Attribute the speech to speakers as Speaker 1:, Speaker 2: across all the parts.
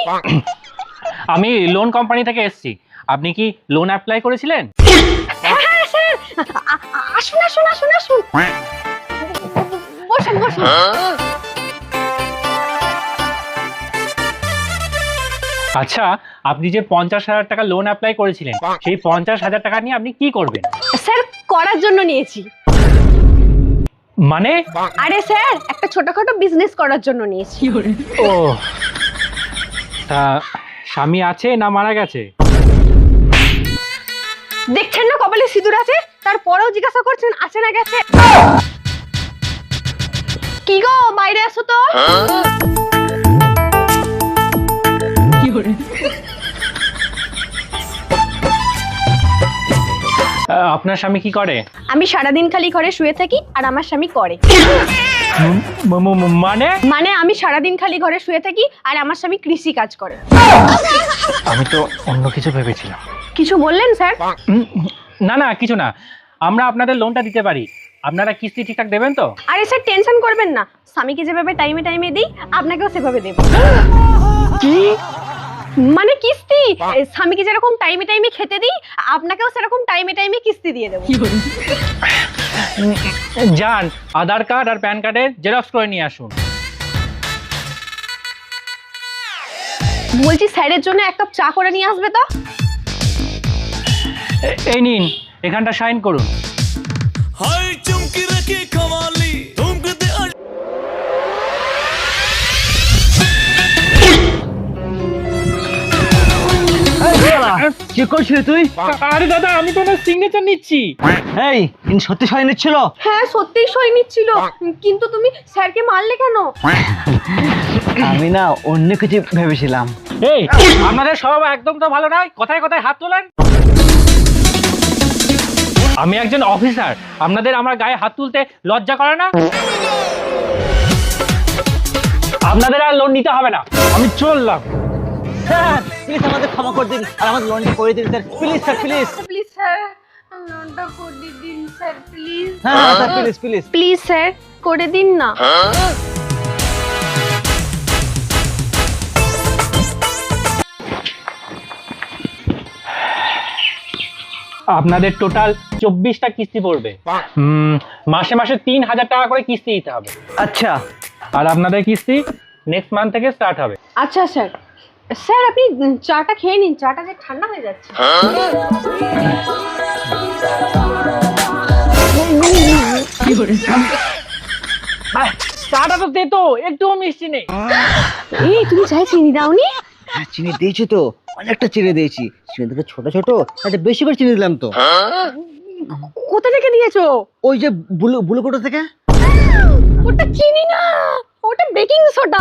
Speaker 1: আমি loan company থেকে এসেছি। আপনি কি লোন অ্যাপ্লাই করেছিলেন?
Speaker 2: হ্যাঁ স্যার, আসুন আসুন আসুন আসুন, বসুন বসুন।
Speaker 1: আচ্ছা, আপনি যে 50,000 টাকা লোন অ্যাপ্লাই করেছিলেন, সেই 50,000 টাকা নিয়ে আপনি কি করবেন?
Speaker 2: স্যার, করার জন্য নিয়েছি।
Speaker 1: মানে?
Speaker 2: আরে স্যার, একটা ছোটখাটো বিজনেস করার জন্য নিয়েছি।
Speaker 1: ও, তা স্বামী আছে না মারা গেছে?
Speaker 2: দেখছেন না কপালে সিঁদুর আছে, তারপরেও জিজ্ঞাসা করছেন আছে না গেছে। কি গো, বাইরে আসো তো।
Speaker 1: আপনার স্বামী কি করে?
Speaker 2: আমি সারাদিন খালি ঘরে শুয়ে থাকি আর আমার স্বামী করে।
Speaker 1: মানে?
Speaker 2: মানে আমি সারাদিন খালি ঘরে শুয়ে থাকি আর আমার স্বামী কৃষি কাজ করে।
Speaker 1: আমি তো অন্য কিছু ভেবেছিলাম।
Speaker 2: কিছু বললেন স্যার?
Speaker 1: না না, কিছু না। আমরা আপনাদের লোনটা দিতে পারি, আপনারা কিস্তি ঠিকঠাক দেবেন তো?
Speaker 2: আরে স্যার, টেনশন করবেন না, স্বামীকে যেভাবে টাইমে টাইমে দিই আপনাকেও সেভাবে দেব।
Speaker 1: কি
Speaker 2: মানে কিস্তি? স্বামীকে যেরকম টাইমে টাইমে খেতে দিই, আপনাকেও সেরকম টাইমে টাইমে কিস্তি দিয়ে দেবো।
Speaker 1: যান, আধার কার্ড আর প্যান কার্ডের জেরক্স করে নিয়ে আসুন।
Speaker 2: বলছি স্যারের জন্য এক কাপ চা করে নিয়ে আসবে তো।
Speaker 1: এই নিন, এখানটা সাইন করুন।
Speaker 3: हाय चमकी रखी कवाली ठुमकते
Speaker 4: কি করছিস তুই?
Speaker 1: আরে দাদা, আমি তো ওনার সিগনেচার নিচ্ছি।
Speaker 4: এই ইনি সত্যি সই নিচ্ছিল?
Speaker 2: হ্যাঁ, সত্যিই সই নিচ্ছিল, কিন্তু তুমি স্যারকে মারলে কেন?
Speaker 4: আমি না অন্য কিছু ভেবেছিলাম।
Speaker 1: এই, আপনাদের স্বভাব একদম তো ভালো নয়, কথায় কথায় হাত তোলেন। আমি একজন অফিসার, আপনাদের আমার গায়ে হাত তুলতে লজ্জা করে না? আপনাদের আর লোন নিতে হবে না, আমি চললাম।
Speaker 4: স্যার প্লিজ আমাদের ক্ষমা করে দিন আর আমাদের লোনটা করে দিন sir, please sir please.
Speaker 2: Please sir, লোনটা করে দিন স্যার, প্লিজ।
Speaker 4: হ্যাঁ sir please please.
Speaker 2: Please sir, করে দিন না।
Speaker 1: আপনাদের টোটাল 24টা কিস্তি পড়বে। মাসে মাসে 3,000 টাকা করে কিস্তি দিতে হবে।
Speaker 4: আচ্ছা,
Speaker 1: আর আপনাদের কিস্তি নেক্সট মান্থ থেকে স্টার্ট হবে।
Speaker 2: আচ্ছা স্যার। স্যার, আপনি চাটা খেয়ে নিন, চাটা যে ঠান্ডা হয়ে যাচ্ছে।
Speaker 1: চাটা তো দে তো, একটুও মিষ্টি নেই।
Speaker 2: এই, তুমি চাই চিনি দাওনি?
Speaker 4: হ্যাঁ চিনি দিয়েছি তো, অনেকটা চিনি দিয়েছি। চিনি থেকে ছোট ছোট, একটা বেশি করে চিনি দিলাম তো।
Speaker 2: কোথা থেকে দিয়েছো?
Speaker 4: ওই যে বুলু বুলু কোটা থেকে।
Speaker 2: ওটা চিনি না, ওটা baking soda.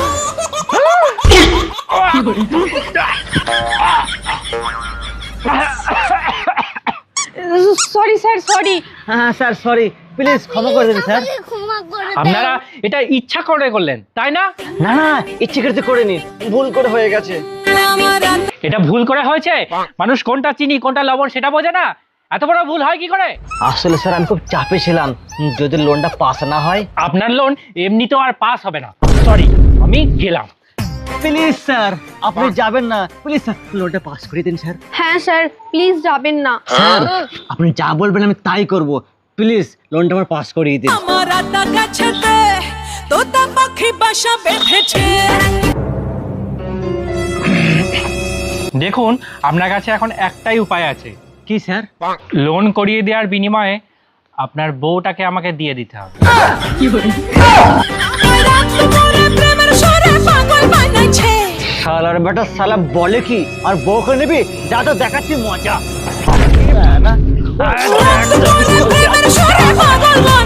Speaker 2: Sorry sir, sorry.
Speaker 4: হ্যাঁ স্যার সরি, প্লিজ ক্ষমা করে দিন স্যার।
Speaker 1: আপনারা এটা ইচ্ছা করে করলেন, তাই না?
Speaker 4: না না, ইচ্ছে করতে করিনি, ভুল করে হয়ে গেছে।
Speaker 1: এটা ভুল করে হয়েছে। মানুষ কোনটা চিনি কোনটা লবণ সেটা বোঝে না, এত বড় ভুল হয় কি করে?
Speaker 4: আসলে স্যার আমি খুব চাপে ছিলাম, যদি লোনটা পাস না হয়।
Speaker 1: আপনার লোন এমনিতেও আর পাস হবে না। সরি, আমি গেলাম।
Speaker 4: প্লিজ স্যার আপনি যাবেন না, প্লিজ স্যার লোনটা পাস করে দিন স্যার।
Speaker 2: হ্যাঁ স্যার, প্লিজ যাবেন না।
Speaker 4: স্যার আপনি যা বলবেন আমি তাই করব, প্লিজ লোনটা আমার পাস করিয়ে দিন।
Speaker 3: আমার আটা গাছেতে তোতা পাখি বাসা বেঁধেছে।
Speaker 1: দেখুন, আপনার কাছে এখন একটাই উপায় আছে।
Speaker 4: কি স্যার?
Speaker 1: লোন করিয়ে দেওয়ার বিনিময়ে আপনার বউটাকে আমাকে দিয়ে দিতে হবে।
Speaker 4: শালার বেটা শালা বলে কি, আর বউকে নিবি? যা তো দেখাচ্ছি মজা।
Speaker 3: পাগল